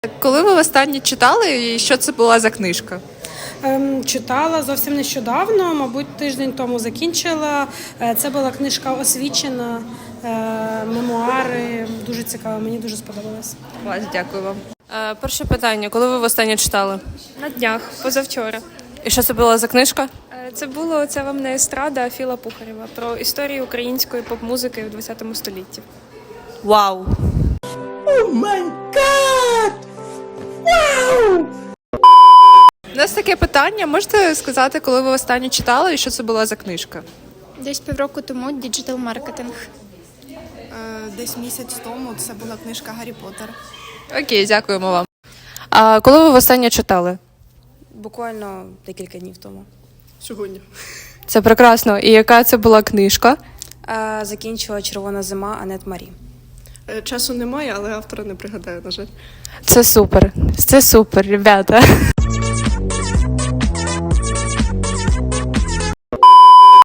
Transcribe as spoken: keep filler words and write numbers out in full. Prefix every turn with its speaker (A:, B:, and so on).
A: Коли ви востаннє читали і що це була за книжка?
B: Ем, Читала зовсім нещодавно, мабуть, тиждень тому закінчила. Е, Це була книжка «Освічена», е, мемуари. Дуже цікаво, мені дуже сподобалось.
A: Клас, дякую вам.
C: Е, Перше питання. Коли ви востаннє читали?
D: На днях, позавчора.
C: І що це була за книжка?
D: Е, Це було «Це вам не естрада» Філа Пухарєва про історію української поп-музики в ХХ столітті.
C: Вау!
A: У нас таке питання. Можете сказати, коли ви востаннє читали і що це була за книжка?
E: Десь півроку тому діджитал-маркетинг.
F: Е, Десь місяць тому це була книжка «Гаррі Поттер».
A: Окей, дякуємо вам.
C: А коли ви востаннє читали?
G: Буквально декілька днів тому.
H: Сьогодні.
C: Це прекрасно. І яка це була книжка?
G: А, закінчила «Червона зима» Анет Марі.
H: Е, Часу немає, але автора не пригадаю, на жаль.
C: Це супер. Це супер, ребята.